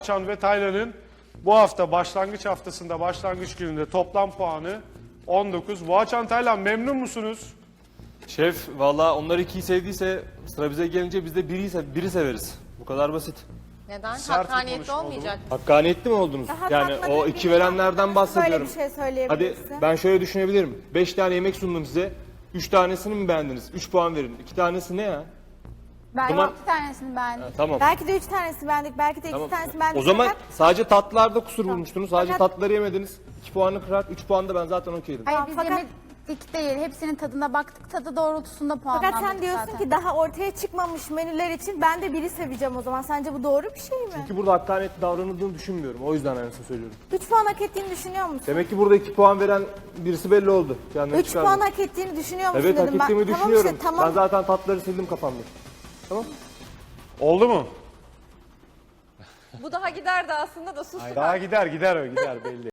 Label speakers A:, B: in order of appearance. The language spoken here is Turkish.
A: Boğaçan ve Taylan'ın bu hafta başlangıç haftasında başlangıç gününde toplam puanı 19. Boğaçan, Taylan memnun musunuz?
B: Şef valla onlar ikiyi sevdiyse sıra bize gelince biz de biri severiz. Bu kadar basit.
C: Neden?
A: Sert bir
C: Hakkaniyetli
A: konuşma oldu
C: olmayacak.
B: Hakkaniyetli mi oldunuz?
D: Daha
B: Yani
D: tatmadığım
B: o iki
D: birine
B: verenlerden bahsediyorum.
D: Böyle bir şey
B: Hadi
D: söyleyebilirsin.
B: ben şöyle düşünebilirim. 5 tane yemek sundum size. 3 tanesini mi beğendiniz? 3 puan verin. 2 tanesi ne ya?
E: Ben
B: Tamam.
E: 6 tanesini beğendim.
B: Tamam.
D: Belki de 3 tanesi beğendik, belki de 2
B: Tamam.
D: tanesi beğendik.
B: O zaman
D: Fakat
B: sadece tatlılarda kusur bulmuştunuz. Sadece
D: Fakat-
B: tatlıları yemediniz. 2 puanı kırar. 3 puan da ben zaten okeydim.
E: Hayır
D: Tamam,
E: biz
D: fakat-
E: yemedik değil. Hepsinin tadına baktık. Tadı doğrultusunda puanlandık
D: Fakat sen diyorsun
E: zaten.
D: ki daha ortaya çıkmamış menüler için ben de biri seveceğim o zaman. Sence bu doğru bir şey mi?
B: Çünkü burada hakkaniyetli davranıldığını düşünmüyorum. O yüzden aynısını söylüyorum.
D: 3 puan hak ettiğini düşünüyor musun?
B: Demek ki burada 2 puan veren birisi belli oldu. Kendini
D: 3
B: çıkardı.
D: puan hak ettiğini düşünüyor musun
B: Evet, hak
D: dedim ben.
B: ettiğimi
D: Tamam
B: düşünüyorum.
D: işte, tamam.
B: Ben zaten tatlıları sildim kafamda. Tamam.
A: Oldu mu?
C: Bu daha giderdi aslında da sus.
A: Daha gider belli.